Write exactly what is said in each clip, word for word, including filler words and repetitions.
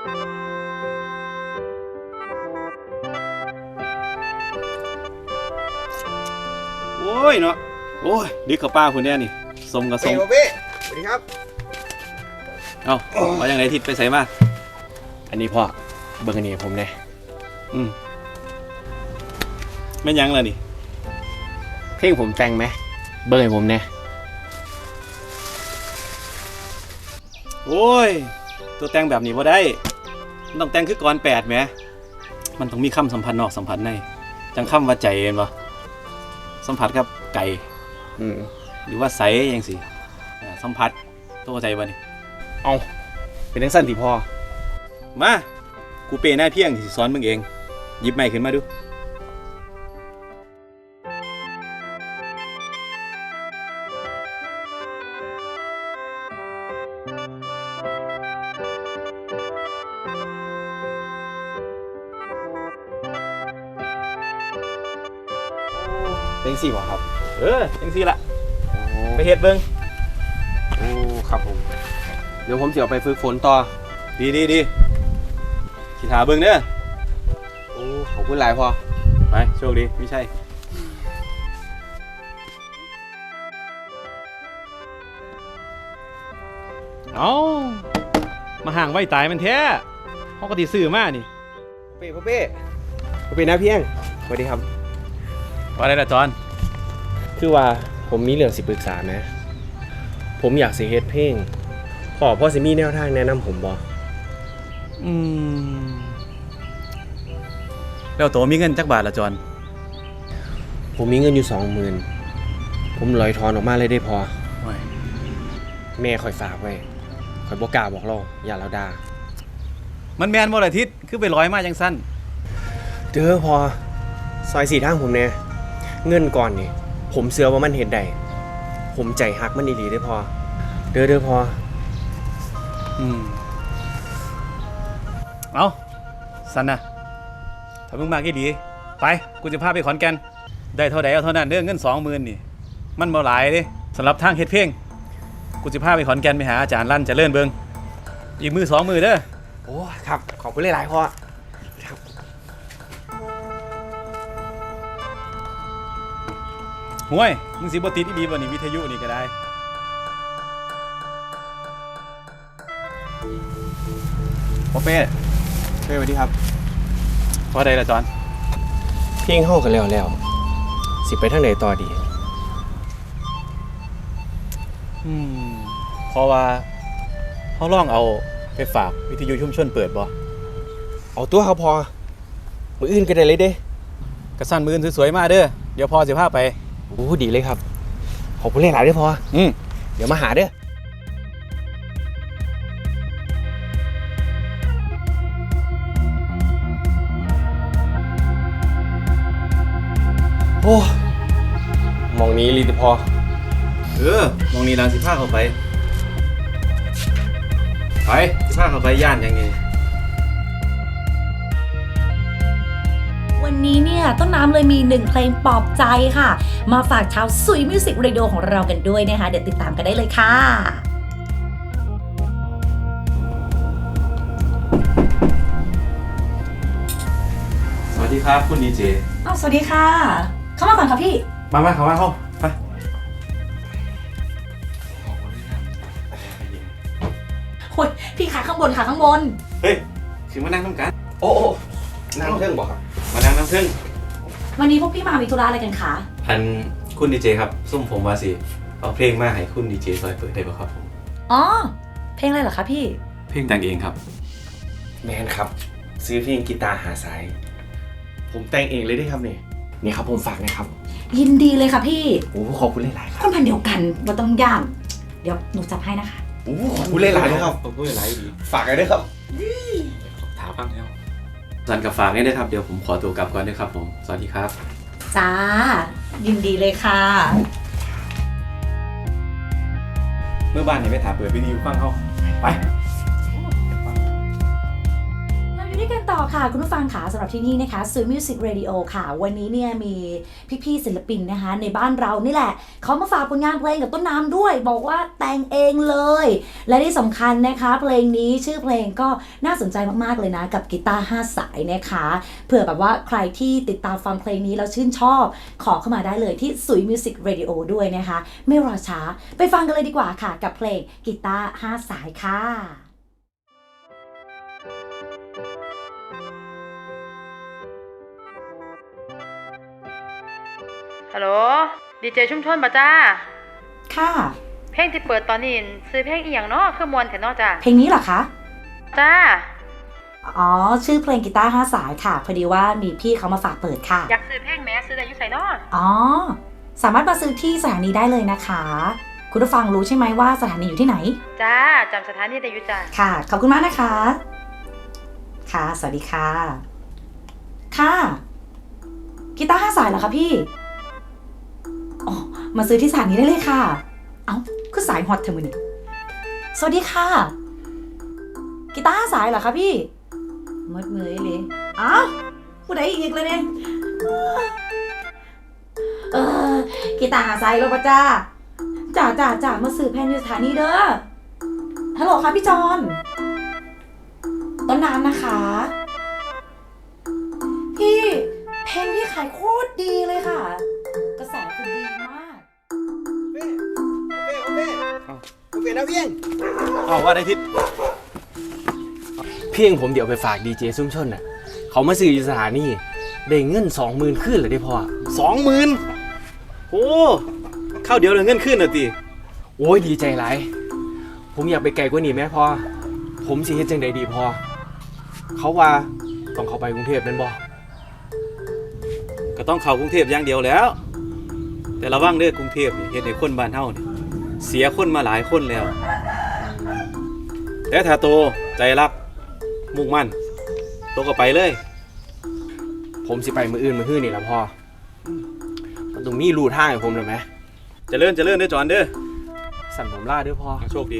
โอ้ยเนาะโอ้ยดิกับป้าคุณเนี่ยนี่สมกับสมเป้สวัสดีครับเอ้ามาอย่างไรทิศไปใส่มาอันนี้พ่อเบิ่งอันนี้ผมเนี่ยอืมไม่ยั้งเลยนี่เพลงผมแต่งไหมเบิ่งให้ผมเนี่ยโอ้ยตัวแต่งแบบนี้บ่ได้มันต้องแต่งคือก่อนแปดแหมมันต้องมีคำสัมพันธ์นอกสัมพันธ์ในจังคำว่าใจเห็นปะสัมผัสกับไก่อืมหรือว่าใสยังสิอ่าสัมผัสตัวใจบ่นี่เอาเป็นทั้งสั้นที่พ่อมากูเปย์หน้าเพียงที่สิสอนมึงเองหยิบไม้ขึ้นมาดูเพลงสี่บ่ครับเออจังสิละไปเฮ็ดเบิ่งโอ้ครับผมเดี๋ยวผมจะเอาไปฝึกฝนต่อดีดีดีสิถาเบิ่งเด้อโอ้ขอบคุณหลายพ่อไปโชคดีไม่ใช่เอามาห่างไว้ตายมันแท้เขาก็ติซื้อมานี่เป้พ่อเป้พ่อเป้นะเพียงสวัสดีครับว่าได้ละจอนคือว่าผมมีเรื่องสิปรึกษาไหมผมอยากสิเฮ็ดเพลงขอพ่อสิมีแนวทางแนะนำผมบ่อืมแล้วตัวมีเงินจักบาทละจอนผมมีเงินอยู่สองหมื่นผมลอยทอนออกมาเลยได้พอโอ้ยแม่คอยฝากไว้คอยบอกกล้าบอกเราอย่าเราด่ามันแม่นบ่ละทิศคือไปร้อยมาจังสั้นเด้อพอซอยสี่ทางผมเนี่ยเงินก่อนนี่ผมเสือว่ามันเห็นได้ผมใจฮักมันดีๆได้อพอเด้อเด้อพออืมเอาสันนะถ้ามึงมากี่ดีไปกูจะพาไปขอนแก่นได้เท่าใดเอาเท่านั้นเด้อเงินสองหมื่นนี่มันบ่หลายเด้สำหรับทางเฮ็ดเพลงกูจะพาไปขอนแก่นไปหาอาจารย์ลั่นเจริญเบิงอีกมือสองมือเด้อโอ้ครับขอบคุณหลายๆพอครับห่วยมึงสิบ่ติดอีหลีบ่นี่วิทยุนี่ก็ได้พ่อเป้เป้สวัสดีครับพอได้ละจอนเพลงเฮากันแล้วแล้วสิไปทางไหนต่อดีอืมเพราะว่าเขาลองเอาไปฝากวิทยุชุมชนเปิดบ่เอาตัวเขาพอมืออื่นก็ได้เลยเด้กระสั่นมือสวยๆมาเด้อเดี๋ยวพอสิพาไปโอ้ดีเลยครับขอบคุณหลายๆเด้อพออืมเดี๋ยวมาหาเด้อโอ้มองนี้ลีแต่พอเออมองนี่ลางสิพาเข้าไปไปสิพาเข้าไปย่านยังไงวันนี้เนี่ยต้นน้ำเลยมีหนึ่งเพลงปลอบใจค่ะ มาฝากชาวซุยมิวสิกเรดิโอของเรากันด้วยนะคะ เดี๋ยวติดตามกันได้เลยค่ะสวัสดีครับคุณดีเจอ้าวสวัสดีค่ะ เข้ามาก่อนค่ะพี่มามาเข้ามาเข้าไปโอ้ยพี่ขาข้างบนขาข้างบนเฮ้ยคือมานั่งน้ำกันโอ้โอ้นั่งเครื่องบอกครับมานั่งน้ำพึ่งวันนี้พวกพี่มามีธุระอะไรกันคะอันคุณดีเจครับซุ่มผมว่าสิเอาเพลงมาให้คุณดีเจซอยเปิดได้ป่ะครับผมอ๋อ เพลงอะไรเหรอคะพี่เพลงแต่งเองครับแมนครับ ซื้อเพลงกีตาร์หาสาย ผมแต่งเองเลยได้ครับเนี่ยนี่ครับผมฝากนะครับยินดีเลยค่ะพี่โอ้ขอบคุณหลายๆครับคนพันเดียวกันว่าต้องย่างเดี๋ยวหนูจับให้นะคะโอ้ขอบคุณหลายๆนะครับขอบคุณหลายดีฝากกันด้วยครับถามบ้างแล้วสันกับฝากนี่นะครับเดี๋ยวผมขอตัวกลับก่อนด้วยครับผมสวัสดีครับจ้า ยินดีเลยค่ะเมื่อบ้านเนี่ยไม่ถามเปิดวิดีโอฟังเขาไปเราอยู่ด้วยกันต่อต่อค่ะคุณผู้ฟังค่ะสำหรับที่นี่นะคะ Sui Music Radio ค่ะวันนี้เนี่ยมีพี่ๆศิลปินนะคะในบ้านเรานี่แหละเขามาฝากผลงานเพลงกับต้นน้ำด้วยบอกว่าแต่งเองเลยและที่สำคัญนะคะเพลงนี้ชื่อเพลงก็น่าสนใจมากๆเลยนะกับกีตาร์ห้าสายนะคะเผื่อแบบว่าใครที่ติดตามฟังเพลงนี้แล้วชื่นชอบขอเข้ามาได้เลยที่ Sui Music Radio ด้วยนะคะไม่รอช้าไปฟังกันเลยดีกว่าค่ะกับเพลงกีตาร์ห้าสายค่ะฮัลโหลดีเจชุมชนป่ะจ้าค่ะเพลงที่เปิดตอนนี้ซื้อเพลงอีหยังเนาะคือมวนแท้เนาะจ้าเพลงนี้เหรอคะจ้าอ๋อชื่อเพลงกีตาร์ห้าสายค่ะพอดีว่ามีพี่เขามาฝากเปิดค่ะอยากซื้อเพลงแม้ซื้อได้อยู่ไสเนาะอ๋อสามารถมาซื้อที่สถานีได้เลยนะคะคุณผู้ฟังรู้ใช่ไหมว่าสถานีอยู่ที่ไหนจ้าจำสถานีได้อยู่จ้าค่ะขอบคุณมากนะคะค่ะสวัสดีค่ะค่ะกีตาร์ห้าสายเหรอคะพี่อ๋อมาซื้อที่สถานีได้เลยค่ะเอ้าคือสายฮอตเธอมือนี่สวัสดีค่ะกีตาร์ห้าสายเหรอคะพี่มดมือเลยอ้าวผู้ใดอีกเลยเนี่ยเออกีตาร์ห้าสายแล้วป่ะจ้าจ่าจ่าจ่ามาซื้อแผ่นอยู่สถานีเด้อฮัลโหลค่ะพี่จอนต้นน้ำนะคะพี่เพลงพี่ขายโคตรดีเลยค่ะกระแสคือดีมากโอเคโอเคโอเคนะเพียงอ้าวว่าได้ทิศเพียงผมเดี๋ยวไปฝากดีเจซุ่มชนน่ะเขามาซื้ออยู่สถานีได้เงินสองหมื่นขึ้นเลยได้พอสองหมื่นโอ้ข้าวเดียวเลยเงินขึ้นน่ะติโอ้ยดีใจหลายผมอยากไปไกลกว่านี้แม่พอผมสิเฮ็ดจังใดดีพอเขาว่าต้องเข้าไปกรุงเทพแม่นบ่ก็ต้องเข้ากรุงเทพอย่างเดียวแล้วแต่ระวังเด้อกรุงเทพนี่เฮ็ดให้คนบ้านเฮานี่เสียคนมาหลายคนแล้วแต่ถ้าโตใจรักมุ่งมั่นโตก็ไปเลยผมสิไปมื้ออื่นมื้อฮื้อนี่ล่ะพ่อมันต้องมีรูทางให้ผมเลยมั้ยเจริญเจริญเด้อจอนเด้อสั่นผมลาเด้อพ่อโชคดี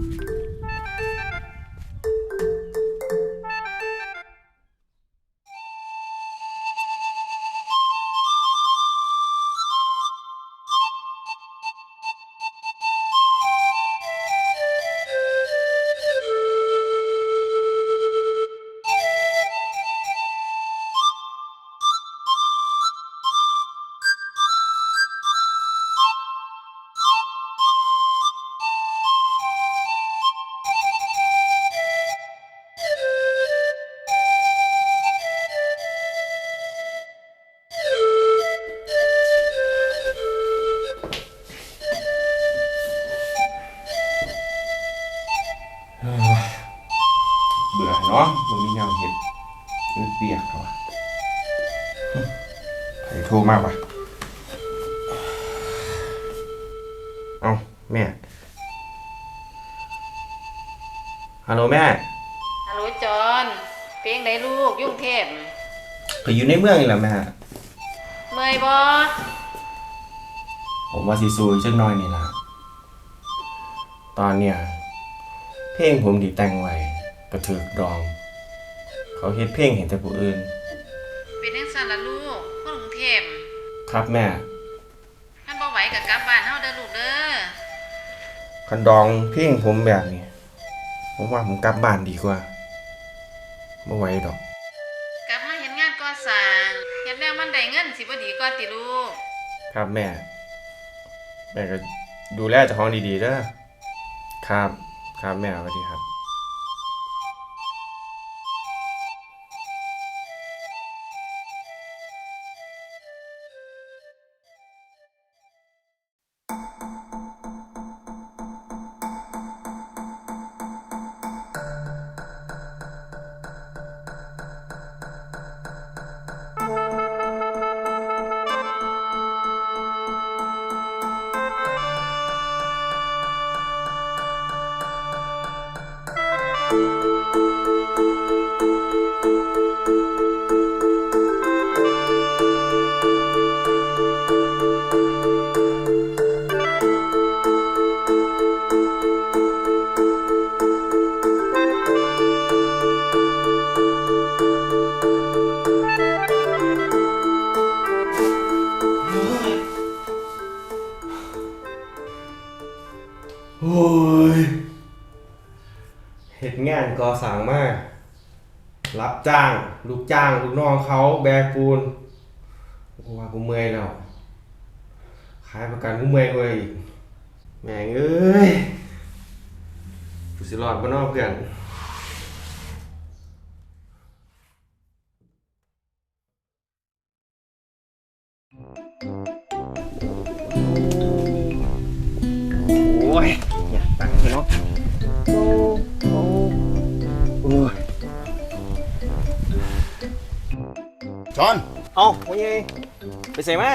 เบื่อเนาะมันมีแนวเห็ดมันเปียกเขาใครโทรมากวะเอาแม่ฮัลโหลแม่ฮัลโหลจอนเพลงไหนลูกยุ่งเทพก็อยู่ในเมืองนี่แหละแม่เมื่อยบ่ผมว่าซีซูจักหน่อยนี่ล่ะตอนเนี้ยเพลงผมที่แต่งไว้กระถึกดองเขาเฮ็ดเพลงเห็นแต่ผู้อื่นเป็นจังซั่นล่ะลูกคนกรุงเทพครับแม่คันบ่ไหวก็กลับบ้านเฮาเด้อลูกเด้อคันดองเพลงผมแบบนี้ผมว่าผมกลับบ้านดีกว่าบ่ไหวดอกกลับมาเฮ็ดงานก่อสร้างเฮ็ดแล้วมันได้เงินสิบ่ดีกว่าติลูกครับแม่แม่ก็ดูแลเจ้าของดีๆเด้อครับครับแม่สวัสดีครับเฮ็ดงานก่อสร้างมารับจ้าง ลูกจ้าง ลูกน้องเขาแบกปูนกูว่ากูเมื่อยแล้วขายประกันกูเมื่อยกว่าอีกแม่งเอ้ยกูสิรอดบ่เนอกเพื่อนโอ้ยอยากตังค์เนาะโอ้โอ้โอ้ยจอนเอาว่าไงไปใส่มา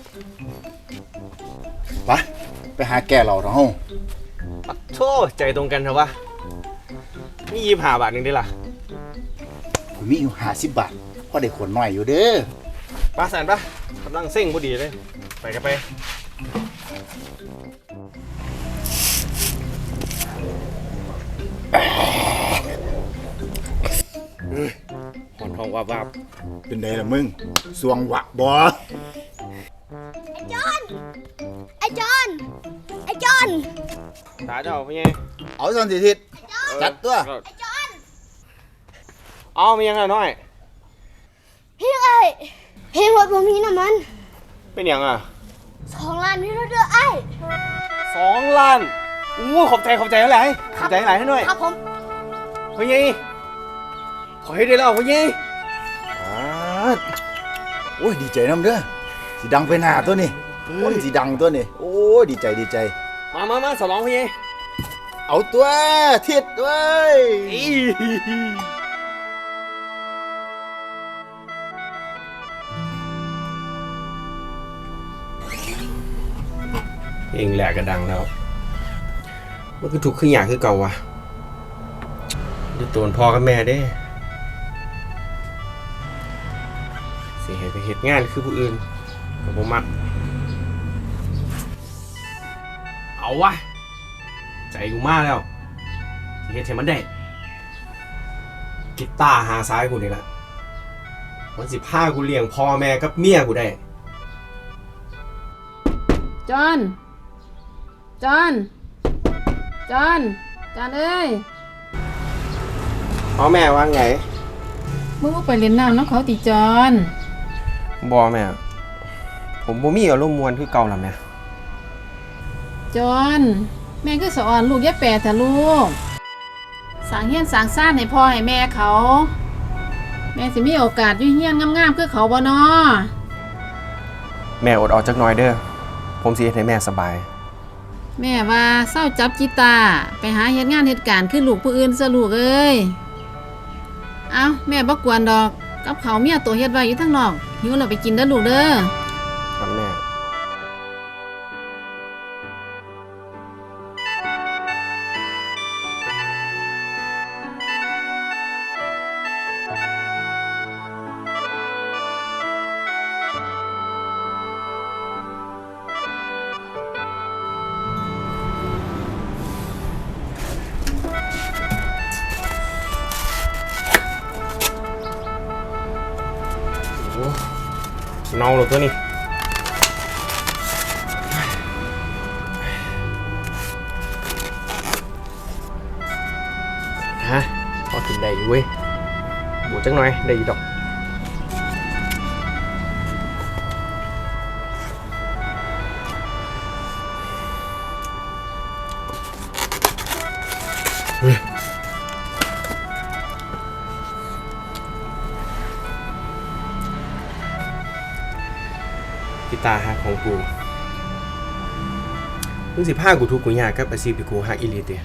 ไปไปหาแก่เราเนาะปัดโธ่ใจตรงกันเถอะวะนี่ยี่สิบห้าบาทหนึงได้ล่ะผมมีอยู่ห้าสิบบาทพอได้ขนหน่อยอยู่เด้อป้าสันปะกำลังเซ็งพอดีเลย ไปกันไปหอนทองวาบวาบเป็นไงล่ะมึงสวงหวะบอไอ้จอนไอ้จอนตาเจ้าเป็นไงเอาสันติทิศจัดตัวเอามียังไงน้อยพี่ไอ้เพลงรถผมมีน้ำมันเป็นยังอ่ะสองล้านพี่รถเด้อไอ้สองล้านอู้ขอบใจขอบใจเท่าไหร่ขอบใจเท่าไหร่ให้หน่อยครับผมพ่อยี่ขอให้ได้แล้วพ่อยี่อ่าโอ้ยดีใจน้ำเด้อสีดังไปหน้าตัวนี่คนสีดังตัวนี่โอ้ยดีใจดีใจมามามาสลองพ่อยี่เอาตัวทิศด้วยเพลงแหลกกระดังแล้วมันคือถูกขึ้นอย่างคือเก่าวะดูตัวพ่อกับแม่เด้สิให้ไปเฮ็ดงานคือผู้อื่นกับผมมักเอาวะใจกูมากแล้วสิเฮ็ดให้มันได้กีตาร์หาซ้ายกูนี่ละมันสิพากูเลี้ยงพ่อแม่กับเมียกูได้จอน จอน จอน จอนเอ้ยพ่อแม่ว่าไงมึงบ่ไปเล่นน้ำน้องเขาติจอนบอแม่ ผมบ่มีอารมณ์มวนคือเก่าแล้วแม่จอน แม่คือสอนลูกอย่าแปรแต่ลูกสร้างเฮียนสร้างซ่านให้พ่อให้แม่เขา แม่สิมีโอกาสอยู่เฮียนงามๆคือเขาบ่น้อแม่อดเอาจักหน่อยเด้อ ผมสิเฮ็ดให้แม่สบายแม่ว่าเศร้าจับกีตาร์ไปหาเฮ็ดงานเฮ็ดการคือลูกผู้อื่นซะลูกเอ้ย เอ้าแม่บ่กวนดอกกับเขาวเมียตัวเฮ็ดไว้อยู่ทางนอกหิวแล้วไปกินเด้อลูกเด้อครับแม่ โอ้เน่าเลยตัวนี้ ฮะพอกินได้อยู่เว้ยบวจังหน่อยได้อยู่ดอกเฮ้ยกีตาร์ฮักของกูมึงสิพากูทุกข์กูยากกับอาชีพที่กูฮักอีหลีเตีย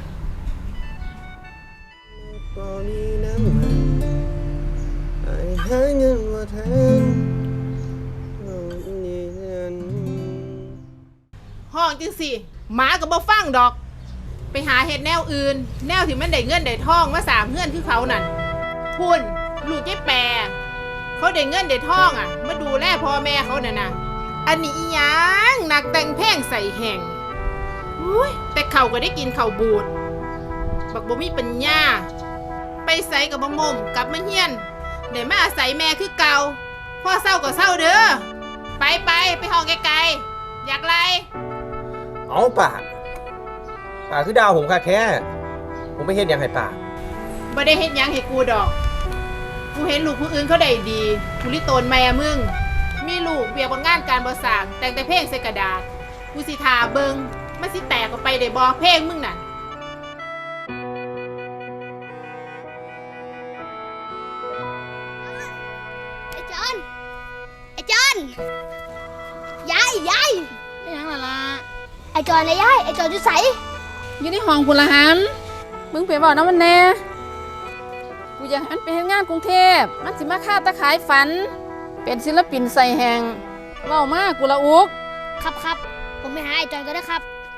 ห้องจังสิหมาก็บ่ฟังดอก ไปหาเฮ็ดแนวอื่น แนวที่มันได้เงินได้ทองมาสามเฮือนคือเขานั่นพุ่นลูกยายแปรเขาได้เงินได้ทองอ่ะมาดูแลพ่อแม่เขาน่ะนะอันนี้อีหยังนักแต่งเพลงใส่แห่งอุ้ยแต่เขาก็ได้กินข้าวบูดบักบ่มีปัญญาไปใส่กับบ่มมกลับมาเฮียนได้มาอาศัยแม่คือเก่าพ่อเศร้าก็เศร้าเด้อไปไปไปห้องไกลๆอยากไรเอาป่าป่าคือดาวผมค่ะแค่ ผผมไม่เฮ็ดหยังให้ป้าบ่ได้เฮ็ดหยังให้กูดอก กูเห็นลูกผู้อื่นเขาได้ดี กูลิโตนแม่มึง มีลูกเบียกบงานการบ่สร้าง แต่งแต่เพลงใส่กระดาษ กูสิทาเบิงมันสิแตกออกไปได้บ่เพลงมึงน่ะไอ้จอนไอ้จอนยายยายไปหยังล่ะล่ะไอ้จอนนะยายไอ้จอนอยู่ไสอยู่ในห้องพุ่นละหันมึงไปบอกน้ำมันแน่กูอยากให้มันไปเฮ็ดงานกรุงเทพมันสิมาฆ่าตะขายฝัน เป็นศิลปินใส่แหงเว้ามากูละอุกครับครับผมไปหาไอ้จอนก็ได้ครับ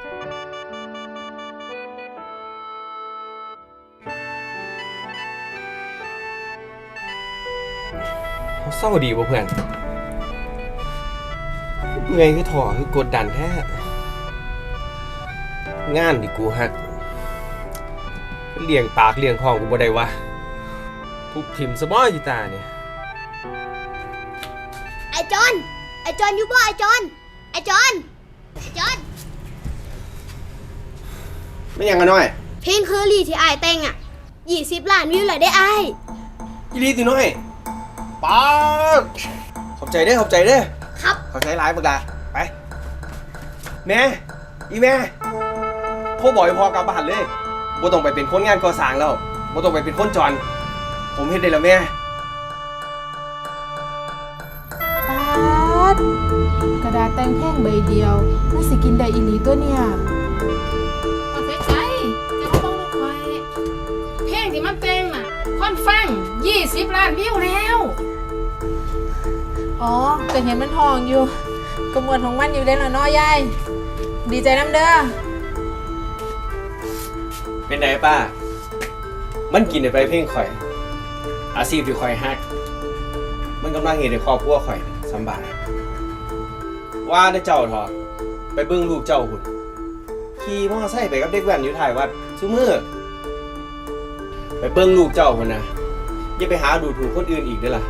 เขาเศร้าดีบ่เพื่อนเมื่อยคือถอคือกดดันแท้งานที่กูฮักเลี้ยงปากเลี้ยงท้องกูบ่ได้วะทุกทิมสมอจิตาเนี่ยไอ้จอนไอ้จอนอยู่บ่ไอ้จอนไอ้จอนไอ้จอนไม่ยังกันน้อยเพลงเคอรี่ที่อ้ายแต่งอ่ะยี่สิบล้านวิวเลยได้อ้ายอีลีติน้อยป๊าดขอบใจเด้อขอบใจเด้อครับขอบใจหลายบักดาไปแม่อีแม่โทรบอกให้พ่อกลับบ้านเลยบ่ต้องไปเป็นคนงานก่อสร้างแล้วบ่ต้องไปเป็นคนจรผมเฮ็ดได้แล้วแม่ปาดกระดาษแต่งแพงใบเดียวน่าสิกินได้อีหลีตัวเนี่ยเอาใจใจจะมาบอกลูกคอยเพลงที่มันแต่งน่ะคนฟังยี่สิบล้านวิวแล้วอ๋อก็เห็นมันทองอยู่กระมวลของมันอยู่ได้แล้วเนาะยาย ดีใจน้ำเด้อเป็นไงป้ามันกินได้ไปเพลงข่อยอาชีพที่ข่อยฮักมันกำลังเฮ็ดให้ครอบครัวข่อยสำบายว่าได้เจ้าเถอะไปเบิ่งลูกเจ้าพุ่นขี่มอไซค์ไปกับเด็กแว้นอยู่ท้ายวัดซุมื้อไปเบิ่งลูกเจ้าพุ่นนะอย่าไปหาดูถูกคนอื่นอีกเด้อล่ะ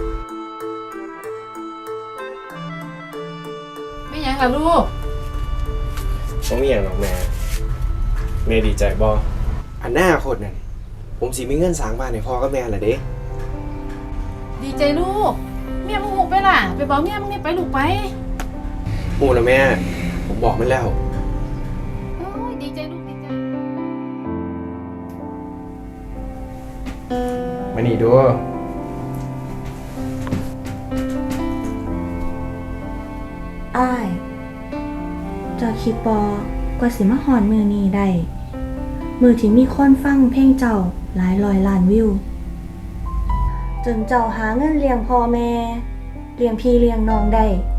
ไม่หยังล่ะลูกผมมีอย่างหรอกแม่แม่ดีใจบ่อันหน้าโคตรนั่นผมสิมีเงินสร้างบ้านให้พ่อกับแม่ล่ะเด้ดีใจลูกเมียมึงหุบไปล่ะไปบอกเมียมึงนี่ไปลูกไปฮู้นะแม่ผมบอกมันแล้วโอ้ยดีใจลูกดีใจมานี่ดูอ้ายเจ้าคิดบอกว่าสิมาหอนมือนี้ได้ มือที่มีคนฟังเพลงเจ้าหลายร้อยล้านวิว จนเจ้าหาเงินเลี้ยงพ่อแม่เลี้ยงพี่เลี้ยงน้องได้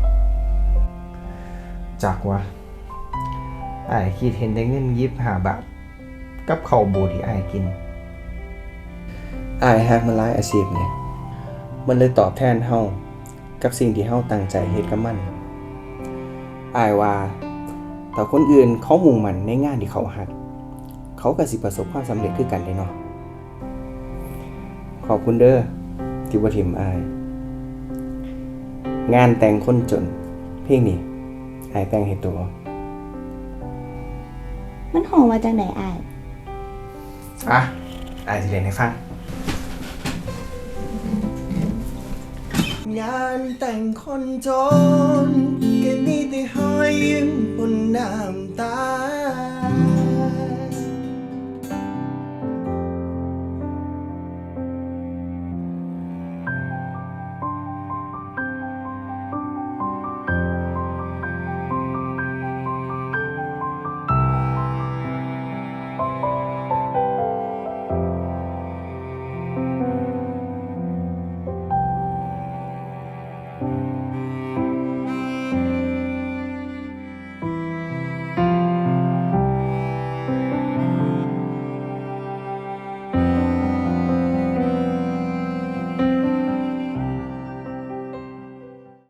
จากว่าอ้ายคิดเห็นได้เงินยิบห้าบาทกับข้าวบูที่อ้ายกินอ้ายฮักมันหลายอาชีพเนี่ยมันเลยตอบแทนเฮากับสิ่งที่เฮาตั้งใจเฮ็ดกับมันอ้ายว่าถ้าคนอื่นเขามุ่งมั่นในงานที่เขาฮักเขาก็สิประสบความสำเร็จคือกันเด้เนาะขอบคุณเด้อที่บ่ทิมอ้ายงานแต่งคนจนเพลงนี้อ้ายแต่งให้ตัวมันห้องมาจากไหนอ้ายอ่ะอ้ายสิเล่นให้ฟัง งานแต่งคนจนก็มีแต่หอยยิ้มบนน้ำตา